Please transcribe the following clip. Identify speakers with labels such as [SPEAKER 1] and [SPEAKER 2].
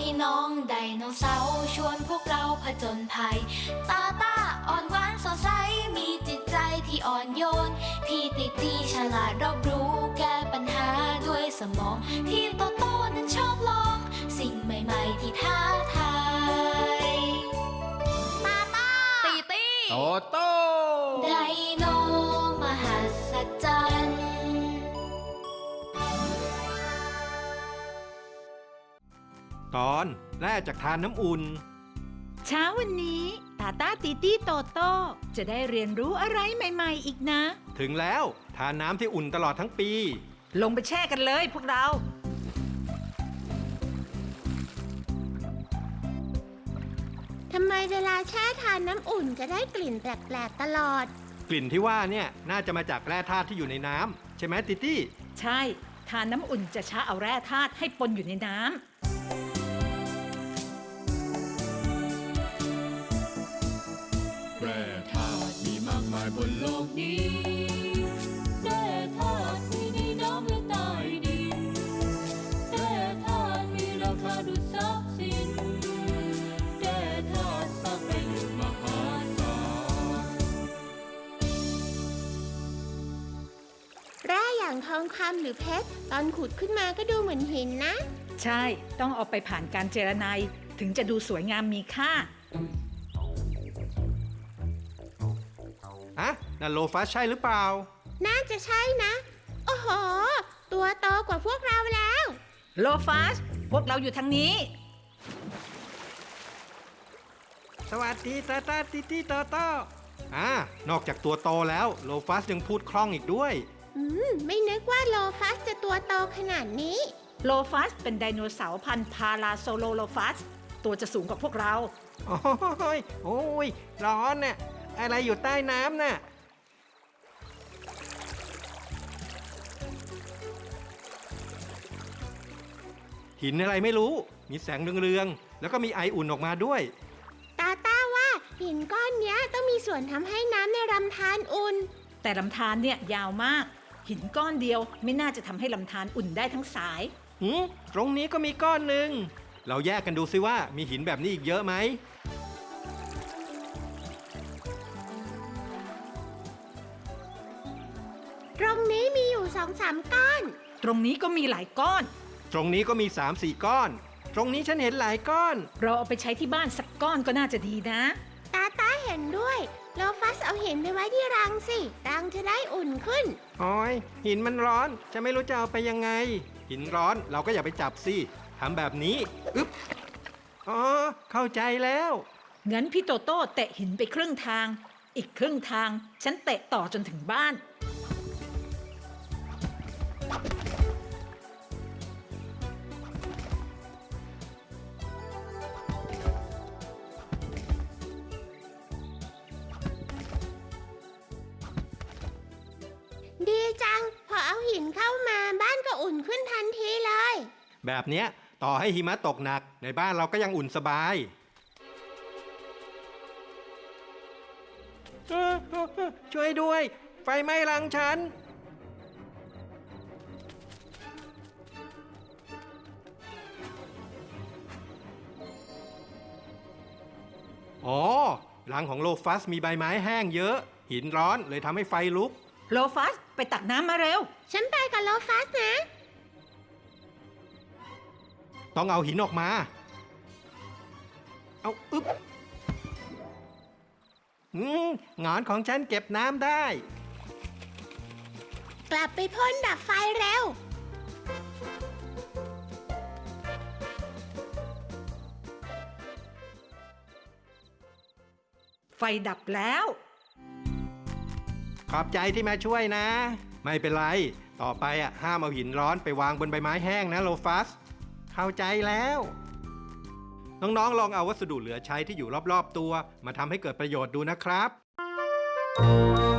[SPEAKER 1] น้องไดโนเสาร์ชวนพวกเราผจญภัยตาตาอ่อนหวานสดใสมีจิตใจที่อ่อนโยนพี่ติตีฉลาดรอบรู้แก้ปัญหาด้วยสมองพี่โตโตนั้นชอบลองสิ่งใหม่ๆที่ท้าทายตาตาตีตี
[SPEAKER 2] โตโต้
[SPEAKER 1] ไดโนมหัศจรรย์
[SPEAKER 2] ตอนแร่จากทานน้ำอุ่น
[SPEAKER 3] เช้าวันนี้ตาตาตีตี้โตโต้จะได้เรียนรู้อะไรใหม่ๆอีกนะ
[SPEAKER 2] ถึงแล้วทานน้ำที่อุ่นตลอดทั้งปี
[SPEAKER 3] ลงไปแช่กันเลยพวกเรา
[SPEAKER 4] ทำไมเวลาแช่ทานน้ำอุ่นจะได้กลิ่นแปลกๆตลอด
[SPEAKER 2] กลิ่นที่ว่าเนี่ยน่าจะมาจากแร่ธาตุที่อยู่ในน้ำใช่ไหมติตี้
[SPEAKER 3] ใช่ทานน้ำอุ่นจะช้าเอาแร่ธาตุให้ปนอยู่ในน้ำ
[SPEAKER 5] แร่ธาตุมีมากมายบนโลกนี้แร่ธาตุมีในน้ำและใต้ดินแร่ธาตุมีราคาดุจทรัพย์สินแร่ธาตุสร้างประโยชน์มหาศาล
[SPEAKER 4] แร่อย่างทองคำหรือเพชรตอนขุดขึ้นมาก็ดูเหมือนหินนะ
[SPEAKER 3] ใช่ต้องเอาไปผ่านการเจรไนถึงจะดูสวยงามมีค่า
[SPEAKER 2] อะนั่นโลฟัสใช่หรือเปล่า
[SPEAKER 4] น่าจะใช่นะโอ้โหตัวโตกว่าพวกเราแล้ว
[SPEAKER 3] โลฟัสพวกเราอยู่ทางนี้
[SPEAKER 2] สวัสดีตาตาติตี้โตโต้นอกจากตัวโตแล้วโลฟัสยังพูดคล่องอีกด้วย
[SPEAKER 4] ไม่นึกว่าโลฟัสจะตัวโตขนาดนี้
[SPEAKER 3] โลฟัสเป็นไดโนเสาร์พันธุ์พาราโซโลโลฟัสตัวจะสูงกว่าพวกเรา
[SPEAKER 2] โอ้ยร้อนน่ะอะไรอยู่ใต้น้ำน่ะหินอะไรไม่รู้มีแสงเรืองๆแล้วก็มีไออุ่นออกมาด้วย
[SPEAKER 4] ตาว่าหินก้อนเนี้ยต้องมีส่วนทำให้น้ำในลำธารอุ่น
[SPEAKER 3] แต่ลำธารเนี่ยยาวมากหินก้อนเดียวไม่น่าจะทำให้ลำธารอุ่นได้ทั้งสาย
[SPEAKER 2] ตรงนี้ก็มีก้อนหนึ่งเราแยกกันดูซิว่ามีหินแบบนี้อีกเยอะไหม
[SPEAKER 4] ตรงนี้มีอยู่ 2-3 ก้อน
[SPEAKER 3] ตรงนี้ก็มีหลายก้อน
[SPEAKER 2] ตรงนี้ก็มี 3-4 ก้อนตรงนี้ฉันเห็นหลายก้อน
[SPEAKER 3] เราเอาไปใช้ที่บ้านสักก้อนก็น่าจะดีนะ
[SPEAKER 4] ตาเห็นด้วยโลฟัสเอาหินไปไว้ที่รังสิรังจะได้อุ่นขึ้น
[SPEAKER 2] โอ้ยหินมันร้อนจะไม่รู้จะเอาไปยังไงหินร้อนเราก็อย่าไปจับสิทำแบบนี้อ๋อเข้าใจแล้ว
[SPEAKER 3] งั้นพี่โตโต้เตะหินไปครึ่งทางอีกครึ่งทางฉันเตะต่อจนถึงบ้าน
[SPEAKER 4] ดีจังพอเอาหินเข้ามาบ้านก็อุ่นขึ้นทันทีเลย
[SPEAKER 2] แบบเนี้ยต่อให้หิมะตกหนักในบ้านเราก็ยังอุ่นสบายช่วยด้วยไฟไหม้รังฉันอ๋อรังของโลฟัสมีใบไม้แห้งเยอะหินร้อนเลยทำให้ไฟลุก
[SPEAKER 3] โลฟัสไปตักน้ำมาเร็ว
[SPEAKER 4] ฉันไปกับโลฟัสนะ
[SPEAKER 2] ต้องเอาหินออกมาเอางอนของฉันเก็บน้ำได้
[SPEAKER 4] กลับไปพ่นดับไฟเร็ว
[SPEAKER 3] ไฟดับแล้ว
[SPEAKER 2] ขอบใจที่มาช่วยนะไม่เป็นไรต่อไปห้ามเอาหินร้อนไปวางบนใบไม้แห้งนะโลฟัสเข้าใจแล้วน้องๆลองเอาวัสดุเหลือใช้ที่อยู่รอบๆตัวมาทำให้เกิดประโยชน์ดูนะครับ